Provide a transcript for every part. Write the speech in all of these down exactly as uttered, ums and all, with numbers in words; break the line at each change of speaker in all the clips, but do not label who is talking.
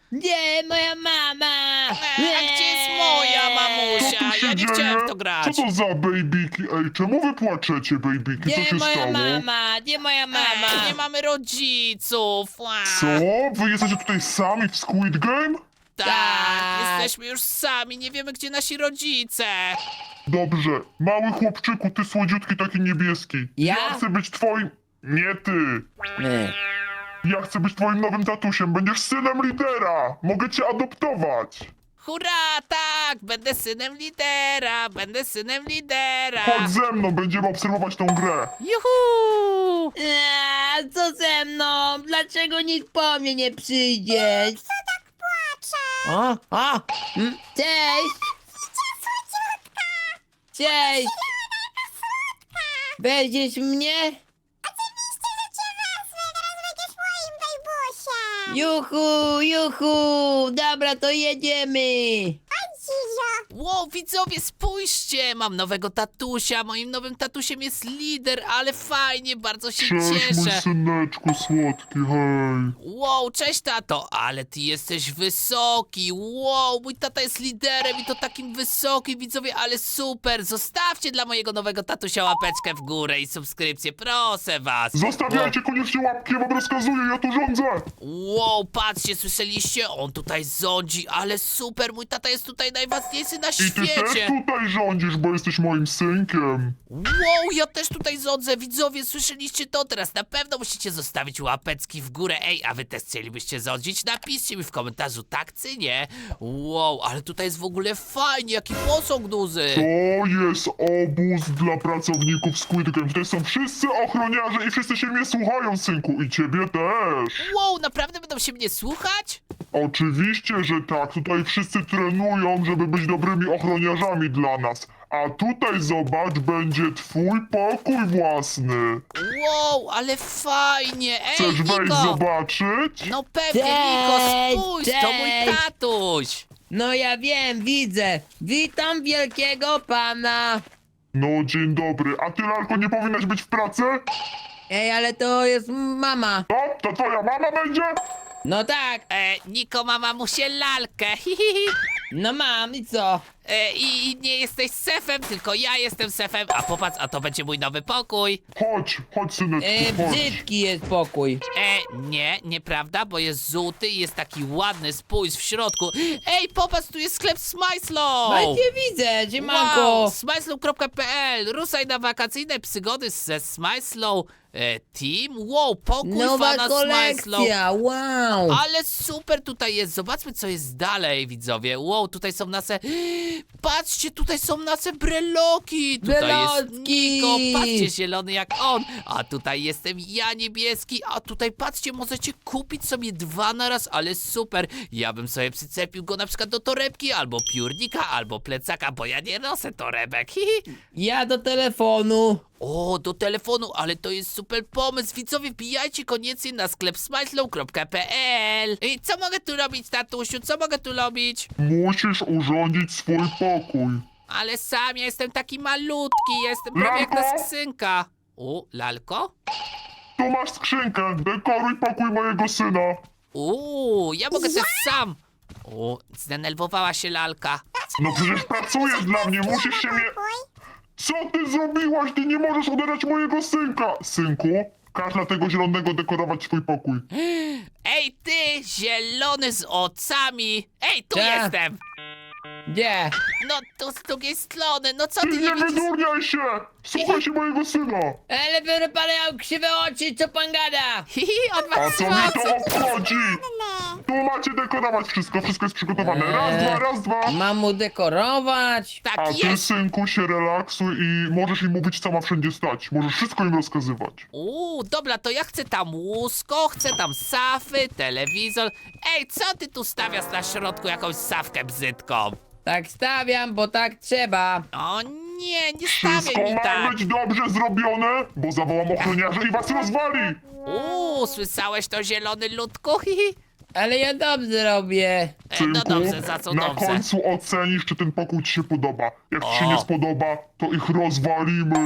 Nie, moja mama!
E, a gdzie jest moja
Co
mamusia?
tu się
Ja nie
dzieje?
chciałem w to grać.
Co to za babyki? Ej, czemu wy płaczecie, babyki? Co
Nie
się
moja
stało?
mama! Nie moja mama!
E, nie mamy rodziców. Ła.
Co? Wy jesteście tutaj sami w Squid Game?
Tak,
Tak.
jesteśmy już sami, nie wiemy gdzie nasi rodzice.
Dobrze. Mały chłopczyku, ty słodziutki, taki niebieski.
Ja?
chcę być twoim... Nie ty.
Nie.
Ja chcę być twoim nowym tatusiem. Będziesz synem lidera. Mogę cię adoptować.
Hurra, tak, będę synem lidera, będę synem lidera.
Chodź ze mną, będziemy obserwować tą grę.
Juhu!
Eee, co ze mną? Dlaczego nikt po mnie nie przyjdzie?
Kto tak płacze?
O, o! Mm, Cześć! Cześć! Będziesz mnie?
Oczywiście, że cię wezmę, teraz będziesz moim bejbusiem.
Juhu, juhu! Dobra, to jedziemy!
Chodź, Zizio.
Wow, widzowie, spójrzcie, mam nowego tatusia, moim nowym tatusiem jest lider, ale fajnie, bardzo się
Cześć, mój
cieszę.
syneczku słodki, hej.
Wow, cześć tato, ale ty jesteś wysoki, wow, mój tata jest liderem i to takim wysokim, widzowie, ale super, zostawcie dla mojego nowego tatusia łapeczkę w górę i subskrypcję, proszę was.
Zostawiajcie koniecznie łapki, ja wam rozkazuję, ja tu rządzę.
Wow, patrzcie, słyszeliście? On tutaj rządzi, ale super, mój tata jest tutaj najważniejszy na
I ty też
świecie.
tutaj rządzisz, bo jesteś moim synkiem.
Wow, ja też tutaj rządzę, widzowie, słyszeliście to? Teraz na pewno musicie zostawić łapeczki w górę. Ej, a wy też chcielibyście rządzić? Napiszcie mi w komentarzu tak czy nie. Wow, ale tutaj jest w ogóle fajnie, jaki posąg duży.
To jest obóz dla pracowników Squid Game. Tutaj są wszyscy ochroniarze i wszyscy się mnie słuchają, synku. I ciebie też.
Wow, naprawdę będą się mnie słuchać?
Oczywiście, że tak. Tutaj wszyscy trenują, żeby być dobrymi ochroniarzami dla nas. A tutaj, zobacz, będzie twój pokój własny.
Wow, ale fajnie. Ej,
Chcesz wejść
Niko.
zobaczyć?
No pewnie,
Cześć,
Niko, spójrz, to mój
cześć.
tatuś.
No ja wiem, widzę. Witam wielkiego pana.
No, dzień dobry. A ty, Lalko, nie powinnaś być w pracy?
Ej, ale to jest mama.
No, to twoja mama będzie?
No tak,
E, Niko ma mamusię lalkę. Hi, hi, hi.
no mam i co?
E, I nie jesteś sefem, tylko ja jestem sefem. A popatrz, a to będzie mój nowy pokój.
Chodź, chodź, syneczku,
E,
chodź.
brzydki jest pokój.
E, nie, nieprawda, bo jest żółty i jest taki ładny, spójrz w środku. Ej, popatrz, tu jest sklep Smajslow!
Właśnie widzę, siemanko.
Wow, smajslow kropka p l. Ruszaj na wakacyjne przygody ze Smajslow e, Team. Wow, pokój
Nowa
fana Smajslow.
kolekcja, wow.
Ale super tutaj jest. Zobaczmy, co jest dalej, widzowie. Wow, tutaj są nasze... Patrzcie, tutaj są nasze breloki. Tutaj jest
Brelotki.
Niko, patrzcie, zielony jak on. A tutaj jestem ja, niebieski. A tutaj, patrzcie, możecie kupić sobie dwa na raz, ale super. Ja bym sobie przyczepił go na przykład do torebki, albo piórnika, albo plecaka, bo ja nie noszę torebek. Hihi.
Ja do telefonu.
O, do telefonu, ale to jest super pomysł. Widzowie, wbijajcie koniecznie na sklep smajslow kropka p l. I co mogę tu robić, tatusiu? Co mogę tu robić?
Musisz urządzić swój pokój.
Ale sam ja jestem taki malutki, jestem prawie jak ta
Lalko?
skrzynka. O, lalko?
Tu masz skrzynkę, dekoruj pokój mojego syna.
Uuu, ja mogę też sam. O, zdenerwowała się lalka.
No przecież pracujesz dla mnie, musisz się mnie... Co ty zrobiłaś? Ty nie możesz odebrać mojego synka. Synku, każ dla tego zielonego dekorować swój pokój.
Ej, ty, zielony z oczami. Ej, tu
Tak.
jestem.
Gdzie?
No, tu z drugiej strony. No co
Ty
ty nie
nie
widzisz?
wydurniaj się! Słuchaj się mojego syna!
Ale biorę pan miał krzywe oczy, co pan gada?
Hihi, on ma
A co mi
mocy.
to obchodzi? Tu macie dekorować wszystko, wszystko jest przygotowane. Raz,
Eee.
dwa, raz, dwa.
Mam mu dekorować?
Tak
A ty,
jest.
synku, się relaksuj i możesz im mówić, co ma wszędzie stać. Możesz wszystko im rozkazywać.
Uuu, dobra, to ja chcę tam łóżko, chcę tam safy, telewizor. Ej, co ty tu stawiasz na środku jakąś sawkę bzytką?
Tak stawiam, bo tak trzeba.
O nie, nie
Wszystko
stawiaj mi
ma
tak.
być dobrze zrobione, bo zawołam ochroniarza i was rozwali.
Uuu, słyszałeś to, zielony ludku? Hihi.
Ale ja dobrze robię.
E, no
Synku,
dobrze, za co
na
dobrze?
końcu ocenisz, czy ten pokój ci się podoba. Jak ci się
O.
nie spodoba, to ich rozwalimy.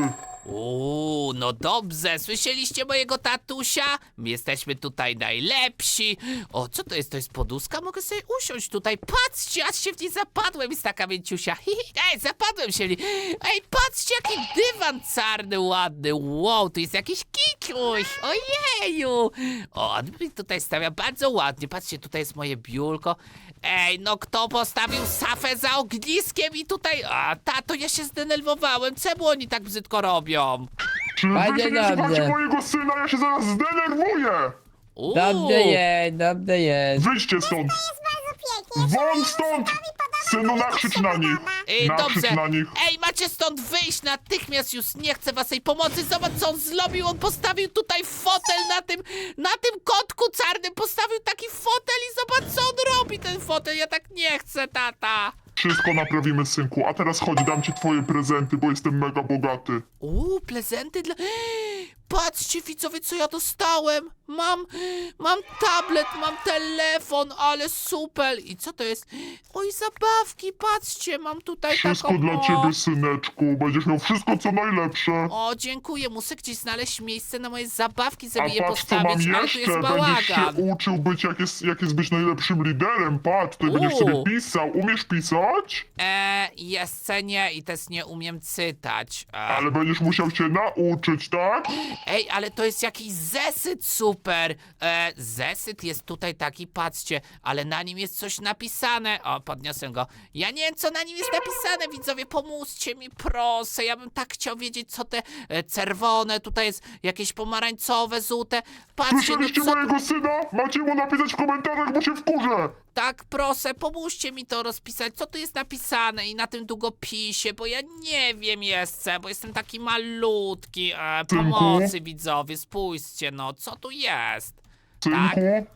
Uuu, no dobrze, słyszeliście mojego tatusia? My jesteśmy tutaj najlepsi. O, co to jest? To jest poduszka? Mogę sobie usiąść tutaj. Patrzcie, aż się w niej zapadłem, jest taka mięciusia. Ej, zapadłem się w niej. Ej, patrzcie, jaki dywan czarny, ładny. Wow, tu jest jakiś kikuś. Ojeju. O, on mi tutaj stawia bardzo ładnie. Patrzcie, tutaj jest moje biurko. Ej, no kto postawił szafę za ogniskiem i tutaj... A, tato, ja się zdenerwowałem. Czemu oni tak brzydko robią?
Czy wy
Panie
się nie
dobrze.
słuchacie mojego syna? Ja się zaraz zdenerwuję!
Uuu.
Dobrze jest, dobrze jest.
Wyjdźcie stąd!
Jest bardzo pięknie.
Won stąd! Synu, nakrzycz na nich!
Ej,
Nakrzycz
dobrze.
na nich!
Ej, macie stąd wyjść natychmiast, już nie chcę waszej pomocy. Zobacz, co on zrobił. On postawił tutaj fotel na tym, na tym kotku czarnym. Postawił taki fotel i zobacz, co on robi, ten fotel. Ja tak nie chcę, tata.
Wszystko naprawimy, synku. A teraz chodź, dam ci twoje prezenty, bo jestem mega bogaty.
Uuu, prezenty dla... Patrzcie, widzowie, co ja dostałem. Mam, mam tablet, mam telefon, ale super. I co to jest? Oj, zabawki, patrzcie, mam tutaj
Wszystko
taką...
dla
o.
ciebie, syneczku. Będziesz miał wszystko, co najlepsze.
O, dziękuję, muszę gdzieś znaleźć miejsce na moje zabawki,
A
żeby je
patrz, co mam
postawić, ale tu
jeszcze.
jest
Będziesz się
bałagan.
uczył być, jak jest, jak jest być najlepszym liderem. Patrz, tutaj będziesz sobie
Uuu.
pisał. Umiesz pisać?
Eee, jeszcze nie i też nie umiem czytać. E,
Ale będziesz musiał się nauczyć, tak?
Ej, ale to jest jakiś zesyt super. E, zesyt jest tutaj taki, patrzcie, ale na nim jest coś napisane. O, podniosę go. Ja nie wiem, co na nim jest napisane, widzowie, pomóżcie mi, proszę. Ja bym tak chciał wiedzieć, co te e, czerwone, tutaj jest jakieś pomarańcowe, żółte. Patrzcie, no
Słyszeliście
co...
mojego syna? Macie mu napisać w komentarzach, bo się wkurzę.
Tak, proszę, pomóżcie mi to rozpisać, co tu jest napisane i na tym długopisie, bo ja nie wiem jeszcze, bo jestem taki malutki. E,
Synku?
pomocy, widzowie, spójrzcie, no, co tu jest? Tak.
Synku,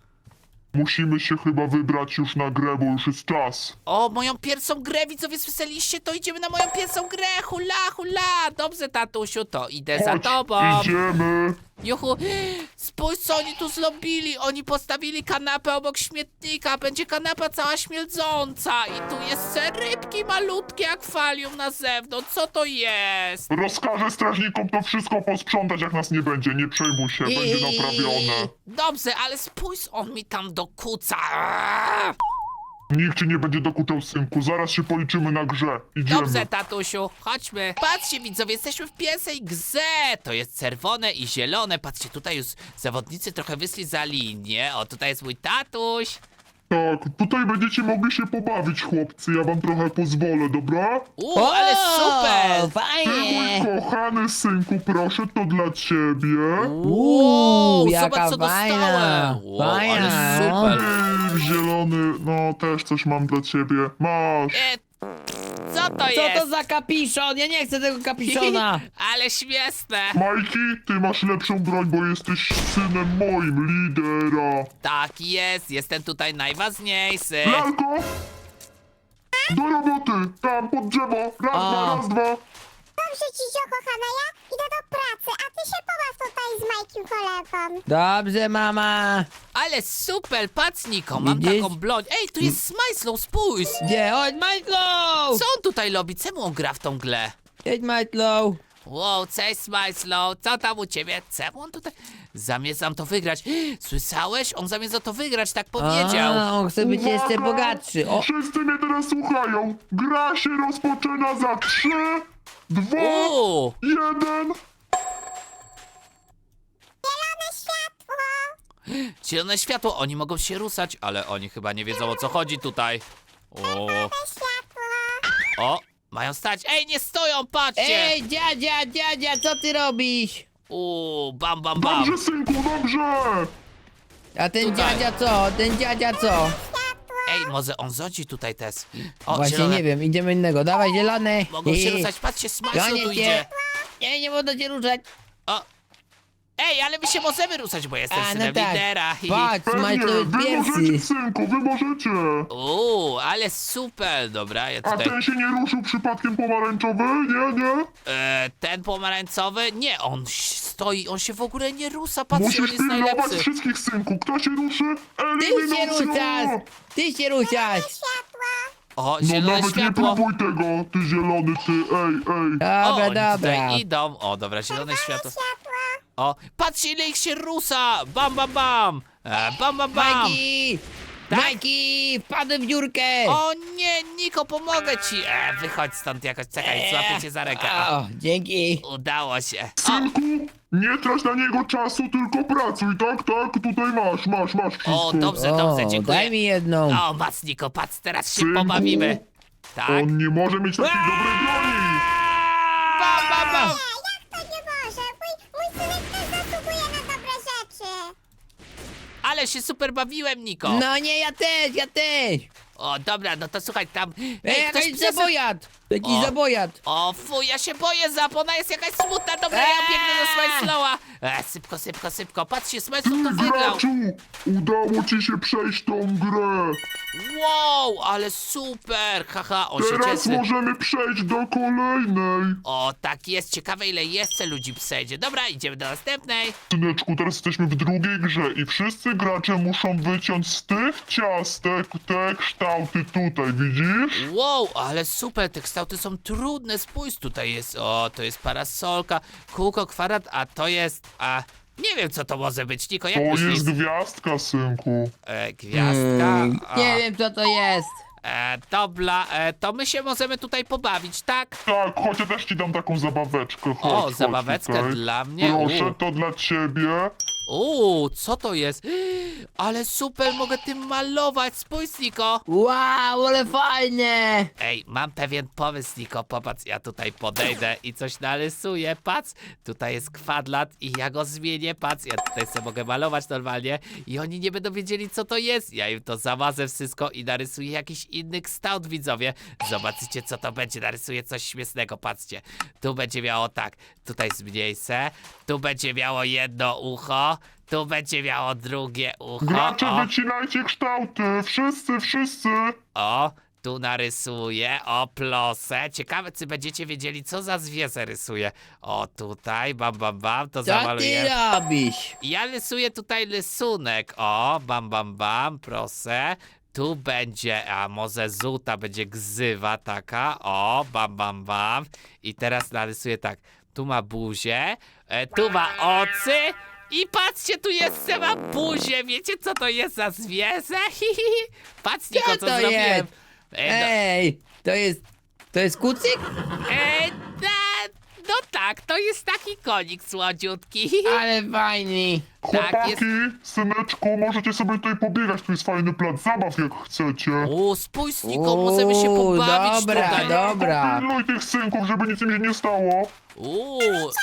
musimy się chyba wybrać już na grę, bo już jest czas.
O, moją pierwszą grę, widzowie, słyszeliście? To idziemy na moją pierwszą grę, hula, hula. Dobrze, tatusiu, to idę za
Chodź,
tobą.
idziemy.
Juhu, spójrz, co oni tu zrobili. Oni postawili kanapę obok śmietnika. Będzie kanapa cała śmierdząca. I tu jeszcze rybki malutkie, akwarium na zewnątrz. Co to jest?
Rozkażę strażnikom to wszystko posprzątać, jak nas nie będzie. Nie przejmuj się, będzie naprawione.
Dobrze, ale spójrz, on mi tam dokuca. Aaa!
Nikt ci nie będzie dokuczał, synku. Zaraz się policzymy na grze. Idziemy.
Dobrze, tatusiu, chodźmy. Patrzcie, widzowie, jesteśmy w pierwszej grze. To jest czerwone i zielone. Patrzcie, tutaj już zawodnicy trochę wyszli za linię. O, tutaj jest mój tatuś.
Tak, tutaj będziecie mogli się pobawić, chłopcy. Ja wam trochę pozwolę, dobra?
Uuu, ale super.
Ty,
Fajnie!
mój kochany synku, proszę, to dla ciebie.
Uuu,
jaka
zobacz, co
fajna,
dostałem. Wow, ale
fajna, no.
super.
Ej, zielony, no też coś mam dla ciebie. Masz.
E, co to
Co
jest?
to za kapiszon? Ja nie chcę tego kapiszona!
Ale śmieszne.
Majki, ty masz lepszą broń, bo jesteś synem moim, lidera.
Tak jest, jestem tutaj najważniejszy.
Lalko! Do roboty! Tam, pod drzewo! Raz,
A.
dwa, raz, dwa!
Dobrze, Cicio, kochana, ja idę do pracy, a ty się pobaw tutaj z Majkiem kolegą.
Dobrze, mama!
Ale super, patrz, Niko, mam
Widzisz?
taką broń. Ej, tu jest Smajslow, spójrz.
Gdzie? Chodź, Majtlow!
Co on tutaj robi? Czemu on gra w tą grę?
Jedź, Majtlow!
Wow, cześć Smajslow, co tam u ciebie? Czemu on tutaj... Zamierzam to wygrać. Słyszałeś? On zamierza to wygrać, tak powiedział.
A, on chce być jeszcze
Uwaga!
bogatszy. O,
Wszyscy mnie teraz słuchają! Gra się rozpoczyna za trzy, dwa,
Uuu,
jeden!
Zielone światło.
zielone światło, oni mogą się ruszać, ale oni chyba nie wiedzą, o co chodzi tutaj. O,
Zielone światło.
o, mają stać. Ej, nie stoją, patrzcie.
ej, dziadzia, dziadzia, co ty robisz?
Uuu, bam, bam, bam.
Dobrze, synku, dobrze!
A ten
Tutaj.
dziadzia co? Ten dziadzia co?
Ej, może on zodzi tutaj też. O,
Właśnie
zielone.
nie wiem, idziemy innego. Dawaj, zielony!
Mogą się
I-
ruszać, patrzcie, Smajslow
Gonię
tu
cię.
idzie.
Nie, nie można cię ruszać.
O. Ej, ale my się możemy ruszać, bo jestem
A, no
synem
tak.
lidera.
Patrz,
Pewnie,
Majtlow jest
wy
pierwszy.
możecie, synku, wy możecie!
Uuu, ale super, dobra, ja
A
tutaj...
ten się nie ruszył przypadkiem pomarańczowy? Nie, nie?
E, ten pomarańcowy? Nie, on ś- stoi, on się w ogóle nie rusza, patrzcie, on
Musisz
jest
pilnować
najlepszy.
wszystkich, synku. Kto się ruszy?
Ty się
Eliminacja!
ruszasz! Ty się ruszasz!
Światło.
O,
No
zielone
nawet nie
światło.
próbuj tego, ty zielony, ty, ej, ej.
O,
Dobra,
oni
dobra.
tutaj idą. O, dobra, zielone światło.
Światło.
O, patrzcie ile ich się rusa! Bam, bam, bam! E, bam, bam, bam!
Majki!
Tak?
Majki! Wpadłem w dziurkę!
O nie, Niko, pomogę ci! E, wychodź stąd jakoś, czekaj, złapię cię za rękę. O,
O, dzięki!
udało się. O,
Synku, nie trać na niego czasu, tylko pracuj, tak, tak, tutaj masz, masz, masz wszystko.
o dobrze, dobrze,
O,
dziękuję.
daj mi jedną!
O, masz Niko, patrz, teraz się
Synku.
pobawimy. Tak?
On nie może mieć takiej dobrej broni.
Bam, bam, bam!
Nie, jak to nie może? Mój, mój synek też zasługuje na dobre rzeczy.
Ale się super bawiłem, Niko.
No nie, ja też, ja też!
O, dobra, no to słuchaj, tam...
Ej,
Ej, ktoś
jakaś
przesyp...
zabojat! Taki
O.
zabojat!
O, fuj, ja się boję, Zap, ona jest jakaś smutna. Dobra, ja biegnę do Smajslowa. E, szybko, szybko, szybko. Patrzcie, Smajslow to wygrał.
Graczu, udało ci się przejść tą grę.
Wow, ale super. Haha, on się
Teraz
cieszy.
możemy przejść do kolejnej.
O, tak jest. Ciekawe, ile jeszcze ludzi przejdzie. Dobra, idziemy do następnej.
Syneczku, teraz jesteśmy w drugiej grze i wszyscy gracze muszą wyciąć z tych ciastek te kształty tutaj, widzisz?
Wow, ale super, te kształty są trudne. Spójrz, tutaj jest, o, to jest parasolka, kółko, kwadrat, a to jest, a... Nie wiem, co to może być, Niko, jak
To
myślisz?
jest gwiazdka, synku.
E, gwiazdka.
Mm,
a,
nie wiem co to jest!
E, dobra, e, to my się możemy tutaj pobawić, tak?
Tak, chodź, ja też ci dam taką zabaweczkę. Chodź,
O,
chodź
zabaweczkę
tutaj.
dla mnie?
Proszę,
U.
to dla ciebie.
Uuu, co to jest? Ale super, mogę tym malować, spójrz, Niko.
Wow, ale fajne!
Ej, mam pewien pomysł, Niko, popatrz, ja tutaj podejdę i coś narysuję, patrz, tutaj jest kwadrat i ja go zmienię, patrz, ja tutaj sobie mogę malować normalnie i oni nie będą wiedzieli, co to jest, ja im to zamazę wszystko i narysuję jakiś inny kształt, widzowie, zobaczycie, co to będzie, narysuję coś śmiesznego, patrzcie, tu będzie miało tak, tutaj zmniejszę, tu będzie miało jedno ucho, tu będzie miało drugie ucho,
Gracze,
o.
wycinajcie kształty. Wszyscy, wszyscy.
O, tu narysuję, o plosę. Ciekawe, czy będziecie wiedzieli, co za zwierzę rysuję. O, tutaj, bam, bam, bam, to
Co ty
zamaluję.
robisz?
Ja rysuję tutaj rysunek. O, bam, bam, bam, proszę. Tu będzie, a może żółta będzie gzywa taka. O, bam, bam, bam. I teraz narysuję tak. Tu ma buzię, e, tu ma oczy. I patrzcie, tu jeszcze ma buzię. Wiecie, co to jest za zwierzę? Patrz, Niko, co
to
zrobiłem.
jest?
E, no,
Ej, to jest... To jest kucyk?
e, na, no tak, to jest taki konik słodziutki.
Ale fajny!
Tak,
Chłopaki,
jest.
syneczku, możecie sobie tutaj pobiegać. Tu jest fajny plac zabaw, jak chcecie.
O, spójrz, Niko, możemy się
Uuu,
pobawić
dobra,
tutaj.
dobra.
Pilnuj tych synków, żeby nic im się nie stało.
Uuu,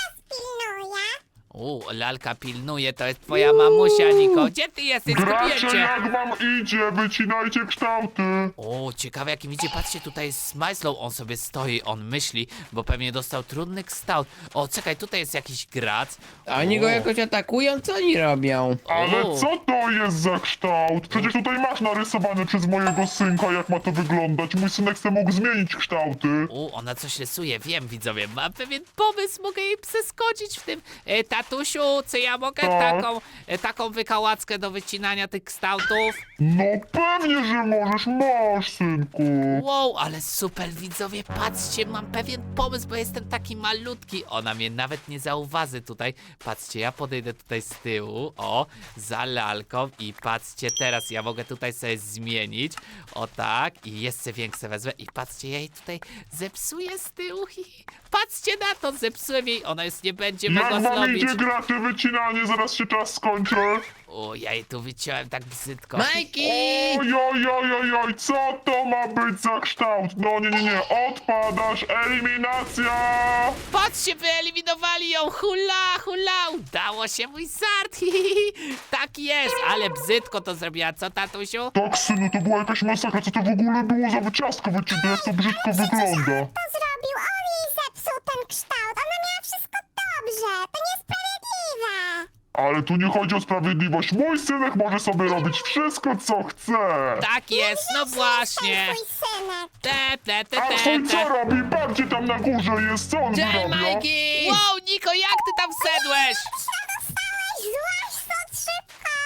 Pilnuję.
uuu, lalka pilnuje, to jest twoja mamusia, Niko. Gdzie ty jesteś? Zgubiłem
Gracze,
cię.
jak wam idzie? Wycinajcie kształty.
O, ciekawe jakim idzie, patrzcie, tutaj jest Smajslow, on sobie stoi, on myśli, bo pewnie dostał trudny kształt. O, czekaj, tutaj jest jakiś grad.
A oni
O.
go jakoś atakują? Co oni robią?
Ale
O.
co to jest za kształt? Przecież tutaj masz narysowane przez mojego synka, jak ma to wyglądać. Mój synek chce mógł zmienić kształty.
U, ona coś rysuje, wiem, widzowie, mam pewien pomysł, mogę jej przeskoczyć w tym. E, tatusiu, czy ja mogę
Tak.
taką, e, taką wykałackę do wycinania tych kształtów?
No pewnie, że możesz, masz, synku.
Wow, ale super, widzowie, patrzcie, mam pewien pomysł, bo jestem taki malutki. Ona mnie nawet nie zauważy tutaj. Patrzcie, ja podejdę tutaj z tyłu, o, za lalką i patrzcie teraz, ja mogę tutaj sobie zmienić, o tak, i jeszcze większe wezmę i patrzcie, ja jej tutaj zepsuję z tyłu, hi, hi. Patrzcie na to, zepsułem jej, ona już nie będzie mogła
Jak wam
zrobić.
idzie gracze wycinanie? Zaraz się czas skończy.
O, ja jej tu wyciąłem tak brzydko.
Majki!
Oj, oj, oj, oj, oj, co to ma być za kształt? No nie, nie, nie, odpadasz, eliminacja!
Patrzcie, wyeliminowali ją! Hula, hula! Udało się, mój żart! Hi, hi, hi. Tak jest, ale brzydko to zrobiła, co, tatusiu?
Tak, synu, to była jakaś masakra, co to w ogóle było za wyciastko wycięte, jak to brzydko wygląda.
To zrobił, on jej zepsuł ten kształt. Ona miała wszystko dobrze. To niesprawiedliwe.
Ale tu nie chodzi o sprawiedliwość, mój synek może sobie robić wszystko, co chce.
Tak jest, no właśnie!
Twój synek.
Te, te, te,
A
te,
twój co
te.
robi? Bardziej tam na górze jest, co on
Cześć,
wyrabia?
Majki!
Wow, Niko, jak ty tam wszedłeś?
Co dostałeś? Złaź stąd szybko.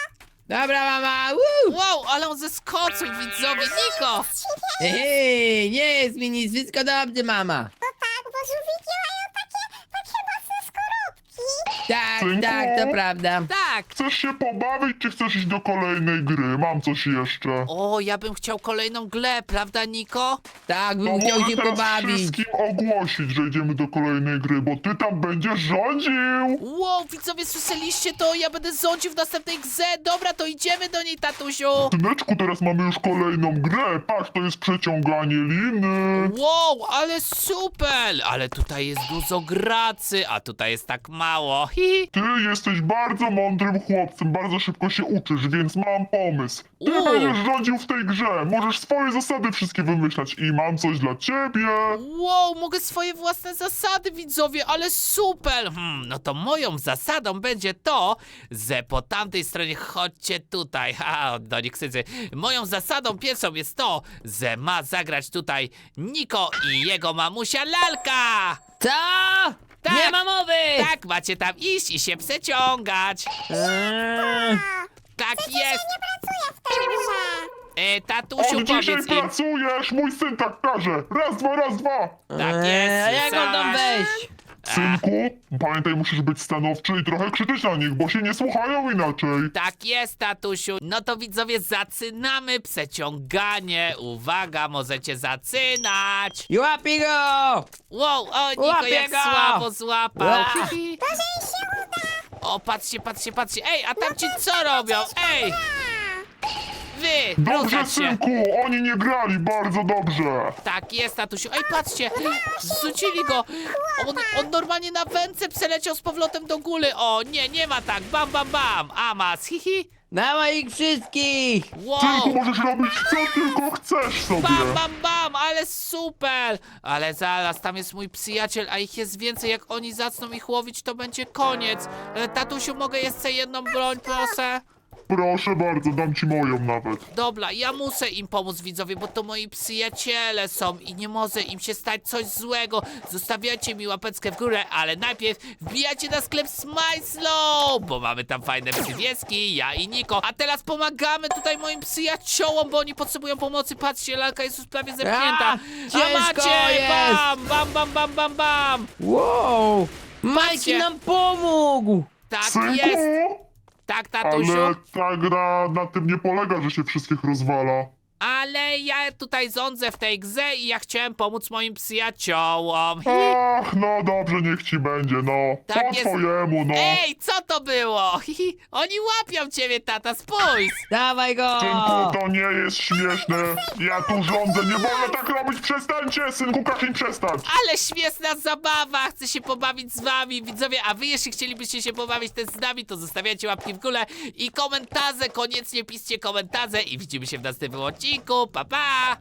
Dobra, mama! Woo!
Wow, ale on zeskoczył, widzowie, Niko!
Hej, nie jest mi nic, wszystko dobrze, mama.
No tak, bo żółwiki mają takie, takie mocne skorupki.
Tak,
Synku?
tak, to prawda.
Tak!
Chcesz się pobawić, czy chcesz iść do kolejnej gry? Mam coś jeszcze.
O, ja bym chciał kolejną grę, prawda, Niko?
Tak,
To
bym chciał
mogę
się
teraz
pobawić.
wszystkim ogłosić, że idziemy do kolejnej gry, bo ty tam będziesz rządził.
Wow, widzowie, słyszeliście to? Ja będę rządził w następnej grze. Dobra, to idziemy do niej, tatusiu.
Syneczku, teraz mamy już kolejną grę. Patrz, to jest przeciąganie liny.
Wow, ale super! Ale tutaj jest dużo gracy, a tutaj jest tak mało. Hi.
Ty jesteś bardzo mądrym chłopcem, bardzo szybko się uczysz, więc mam pomysł. Ty
U.
będziesz rządził w tej grze, możesz swoje zasady wszystkie wymyślać i mam coś dla ciebie.
Wow, mogę swoje własne zasady, widzowie, ale super! Hmm, no to moją zasadą będzie to, że po tamtej stronie chodźcie tutaj. Ha, do nich ksycy. Moją zasadą pierwszą jest to, że ma zagrać tutaj Niko i jego mamusia Lalka!
Co?
Tak.
Nie ma mowy!
Tak, macie tam iść i się przeciągać.
Eee,
Tak jest.
Nie pracuję w tej grze.
E, tatusiu,
Od dzisiaj
powiedz im.
pracujesz, mój syn tak każe. Raz, dwa, raz, dwa.
Tak
eee,
jest,
a jak on tam
słyszałaś?
wejść?
Synku, pamiętaj, musisz być stanowczy i trochę krzyczeć na nich, bo się nie słuchają inaczej.
Tak jest, tatusiu. No to widzowie, zaczynamy przeciąganie. Uwaga, możecie zaczynać.
I łapie go!
Wow, o, Niko
Łapię
jak
go!
słabo złapał.
Ła.
Hihi.
Może jej się uda.
O, patrzcie, patrzcie, patrzcie. Ej, a tam ci co robią? Ej, wy,
Dobrze,
ruszać się.
synku, oni nie grali bardzo dobrze.
Tak jest, tatusiu. Ej, patrzcie, zrzucili go. On, on normalnie na wędce przeleciał z powrotem do góry. O, nie, nie ma tak. Bam, bam, bam. Amas, hihi.
Dawaj ich wszystkich!
Wow.
Synku, możesz robić co tylko chcesz sobie.
Bam, bam, bam, ale super! Ale zaraz, tam jest mój przyjaciel, a ich jest więcej. Jak oni zaczną ich łowić, to będzie koniec. E, Tatusiu, mogę jeszcze jedną broń, proszę?
Proszę bardzo, dam ci moją nawet.
Dobra, ja muszę im pomóc, widzowie, bo to moi przyjaciele są i nie może im się stać coś złego. Zostawiajcie mi łapeczkę w górę, ale najpierw wbijajcie na sklep Smajslow, bo mamy tam fajne przywieski, ja i Niko. A teraz pomagamy tutaj moim przyjaciołom, bo oni potrzebują pomocy. Patrzcie, lalka jest już prawie zepchnięta.
A,
A
ciężko
macie!
jest.
Bam, bam, bam, bam, bam, bam!
Wow!
Patrzcie.
Majki nam pomógł!
Tak
Synku,
jest! Tak, tatusiu.
ale ta gra na tym nie polega, że się wszystkich rozwala.
Ale ja tutaj rządzę w tej grze i ja chciałem pomóc moim przyjaciołom.
Ach, no dobrze, niech ci będzie, no.
Tak
Po
jest.
twojemu, no.
Ej, co to było? Hihi, oni łapią ciebie, tata, spójrz!
Dawaj go!
Synku, to nie jest śmieszne. Ja tu rządzę, nie wolno tak robić, przestańcie! Synku, każ im przestać.
Ale śmieszna zabawa, chcę się pobawić z wami, widzowie, a wy jeśli chcielibyście się pobawić też z nami, to zostawiajcie łapki w górę i komentarze, koniecznie piszcie komentarze i widzimy się w następnym odcinku, pa pa!